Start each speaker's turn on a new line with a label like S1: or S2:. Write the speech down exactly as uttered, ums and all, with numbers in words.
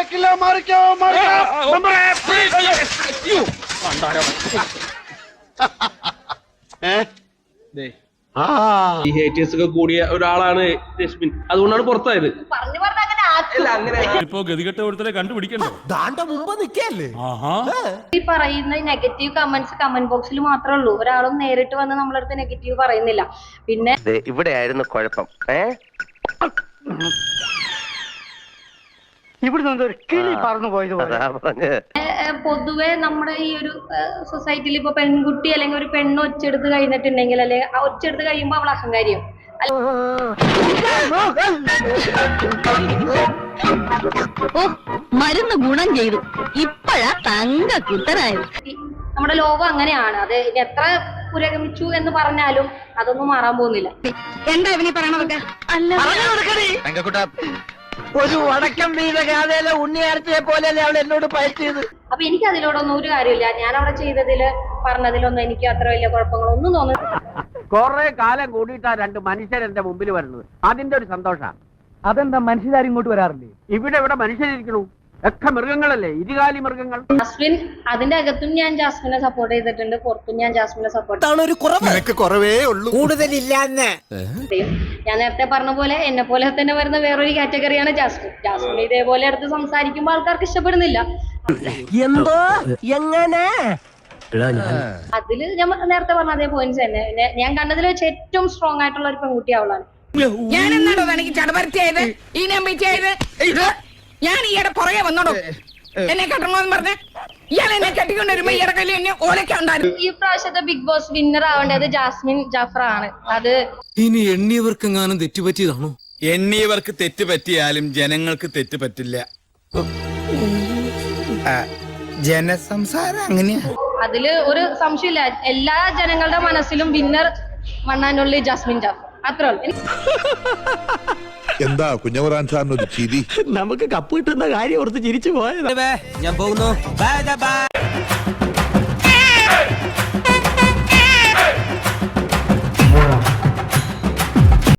S1: നടക്കില്ല. മാറിക്കോ മാറിക്കോ.
S2: ഈ ഹേറ്റേഴ്സ് ഒക്കെ കൂടിയ ഒരാളാണ് രശ്മിൻ, അതുകൊണ്ടാണ് പുറത്തായത്.
S3: ഇപ്പോ ഗതികെട്ട ഒരുത്തരെ കണ്ടുപിടിക്കണ്ടോ?
S4: ഈ പറയുന്ന നെഗറ്റീവ് കമന്റ്സ് കമന്റ് ബോക്സിൽ മാത്രമേ ഉള്ളൂ. ഒരാളും നേരിട്ട് വന്ന് നമ്മളടുത്ത് നെഗറ്റീവ് പറയുന്നില്ല. പിന്നെ
S5: ഇവിടെ ആയിരുന്നു കുഴപ്പം. ഏഹ്
S1: ഇവിടുന്ന് കിളി പറന്നു പോയത്.
S4: പൊതുവെ നമ്മുടെ ഈ ഒരു സൊസൈറ്റിയിൽ ഇപ്പൊ പെൺകുട്ടി അല്ലെങ്കിൽ ഒരു പെണ്ണ് ഒച്ചെടുത്ത് കഴിഞ്ഞിട്ടുണ്ടെങ്കിൽ അല്ലെ ആ ഒച്ചെടുത്ത് കഴിയുമ്പോ അവൾ അഹങ്കാരിയോ
S6: മരുന്ന് ഗുണം ചെയ്തു. ഇപ്പഴാ തങ്ക കുത്തനായത്.
S4: നമ്മുടെ ലോകം അങ്ങനെയാണ്. അത് എത്ര പുരോഗമിച്ചു എന്ന് പറഞ്ഞാലും അതൊന്നും മാറാൻ പോകുന്നില്ല.
S6: എന്താ ഇവനീ പറയണതൊക്കെ?
S5: ഒരു വടക്കം വീത ഗാഥയിലെ ഉണ്ണിയാർച്ചയെ പോലെയല്ലേ അവൾ എന്നോട് പയറ്റിയത്.
S4: അപ്പൊ എനിക്ക് അതിലോടൊന്നും ഒരു കാര്യമില്ല. ഞാൻ അവിടെ ചെയ്തതില് പറഞ്ഞതിലൊന്നും എനിക്ക് അത്ര വലിയ കുഴപ്പങ്ങളൊന്നും തോന്നുന്നു.
S5: കൊറേ കാലം കൂടിയിട്ടാ രണ്ട് മനുഷ്യർ എന്റെ മുമ്പിൽ വരുന്നത്. അതിന്റെ ഒരു സന്തോഷാ.
S1: അതെന്താ മനുഷ്യരാരും ഇങ്ങോട്ട് വരാറില്ലേ?
S5: ഇവിടെ ഇവിടെ മനുഷ്യരിക്കണു, ഒക്കെ മൃഗങ്ങളല്ലേ, ഇരുകാലി മൃഗങ്ങൾ.
S4: ജാസ്മിൻ അതിന്റെ അകത്തും ഞാൻ ജാസ്മിനെ സപ്പോർട്ട് ചെയ്തിട്ടുണ്ട്, പുറത്തും ഞാൻ ജാസ്മിനെ സപ്പോർട്ട്
S5: കൂടുതലില്ല.
S4: ഞാൻ നേരത്തെ പറഞ്ഞ പോലെ എന്നെ പോലെ തന്നെ വരുന്ന വേറൊരു കാറ്റഗറിയാണ് ജാസ്മിൻ. ജാസ്മിൻ ഇതേപോലെ അടുത്ത് സംസാരിക്കുമ്പോൾ ആൾക്കാർക്ക് ഇഷ്ടപ്പെടുന്നില്ല.
S5: എന്തോ എങ്ങനെ
S4: അതില് ഞാൻ നേരത്തെ പറഞ്ഞ അതേ പോയിന്റ്സ് തന്നെ. ഞാൻ കണ്ടതിൽ വെച്ച് ഏറ്റവും സ്ട്രോങ് ആയിട്ടുള്ള ഒരു പെൺകുട്ടി അവളാണ്.
S6: ഞാൻ എന്നാടോ എനിക്ക് ചടപരത്തിയായത് ഈ നമ്പിച്ചായത്? ഞാൻ ഈയുടെ പുറകെ വന്നോടോ എന്നെ കെട്ടണമെന്ന് പറഞ്ഞ ഇയാൾ എന്നെ കെട്ടിക്കൊണ്ട് വരുമ്പോ ഈയുടെ കയ്യിൽ എന്നെ ഓലൊക്കെ ഉണ്ടായിരുന്നു.
S4: ഈ പ്രാവശ്യത്തെ ബിഗ് ബോസ് വിന്നർ ആവേണ്ടത് ജാസ്മിൻ ജാഫർ ആണ്. അത്
S7: ഇനി എണ്ണിയവർക്കെങ്ങാനും തെറ്റുപറ്റിയതാണോ?
S8: എണ്ണിയവർക്ക് തെറ്റ് പറ്റിയാലും ജനങ്ങൾക്ക് തെറ്റ് പറ്റില്ല. ജനസംസാരം അങ്ങനെയാ.
S4: അതില് ഒരു സംശയമില്ല. എല്ലാ ജനങ്ങളുടെ മനസ്സിലും വിന്നർ വണ്ണാനുള്ള ജാസ്മിൻ ജാഫർ അത്രേ ഉള്ളൂ.
S9: എന്താ കുഞ്ഞവറാൻ സാറിനൊരു ചിരി?
S5: നമുക്ക് കപ്പ് കിട്ടുന്ന കാര്യം ഓർത്ത് ചിരിച്ചു പോയത്.
S7: ഞാൻ പോകുന്നു.